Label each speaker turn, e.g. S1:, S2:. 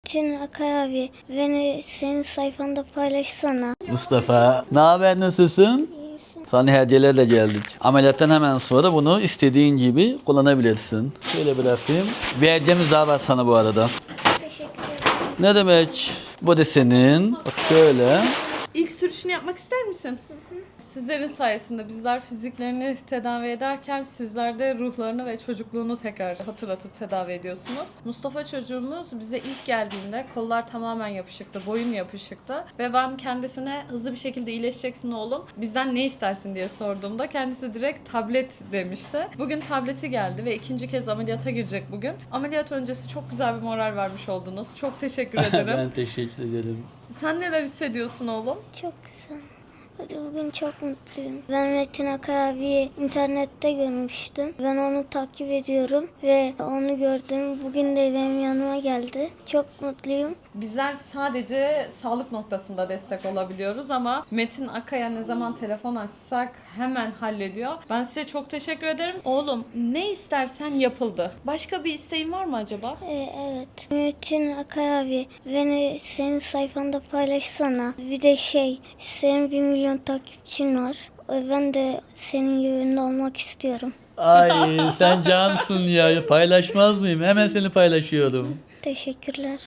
S1: Metin Akay abi, beni senin sayfanda paylaşsana.
S2: Mustafa, ne haber, nasılsın? Sana hediyelerle geldik. Ameliyattan hemen sonra bunu istediğin gibi kullanabilirsin. Şöyle bırakayım. Bir hediyemiz daha var sana bu arada.
S1: Teşekkür ederim.
S2: Ne demek? Bu da senin. Bak şöyle.
S3: İlk sürüşünü yapmak ister misin? Sizlerin sayesinde bizler fiziklerini tedavi ederken sizler de ruhlarını ve çocukluğunu tekrar hatırlatıp tedavi ediyorsunuz. Mustafa çocuğumuz bize ilk geldiğinde kollar tamamen yapışıktı, boyun yapışıktı ve ben kendisine hızlı bir şekilde iyileşeceksin oğlum, bizden ne istersin diye sorduğumda kendisi direkt tablet demişti. Bugün tableti geldi ve ikinci kez ameliyata girecek bugün. Ameliyat öncesi çok güzel bir moral vermiş oldunuz. Çok teşekkür ederim.
S2: Ben teşekkür ederim.
S3: Sen neler hissediyorsun oğlum?
S1: Çok güzel. Hadi bugün çok mutluyum. Ben Metin Akay abiyi internette görmüştüm. Ben onu takip ediyorum ve onu gördüm. Bugün de benim yanıma geldi. Çok mutluyum.
S3: Bizler sadece sağlık noktasında destek olabiliyoruz ama Metin Akay'a ne zaman telefon açsak hemen hallediyor. Ben size çok teşekkür ederim. Oğlum ne istersen yapıldı. Başka bir isteğin var mı acaba?
S1: Evet. Metin Akay abi, beni senin sayfanda paylaşsana. Bir de senin 1 milyon takipçin var. Ben de senin gibi ünlü olmak istiyorum.
S2: Ay sen cansın ya. Paylaşmaz mıyım? Hemen seni paylaşıyorum.
S1: Teşekkürler.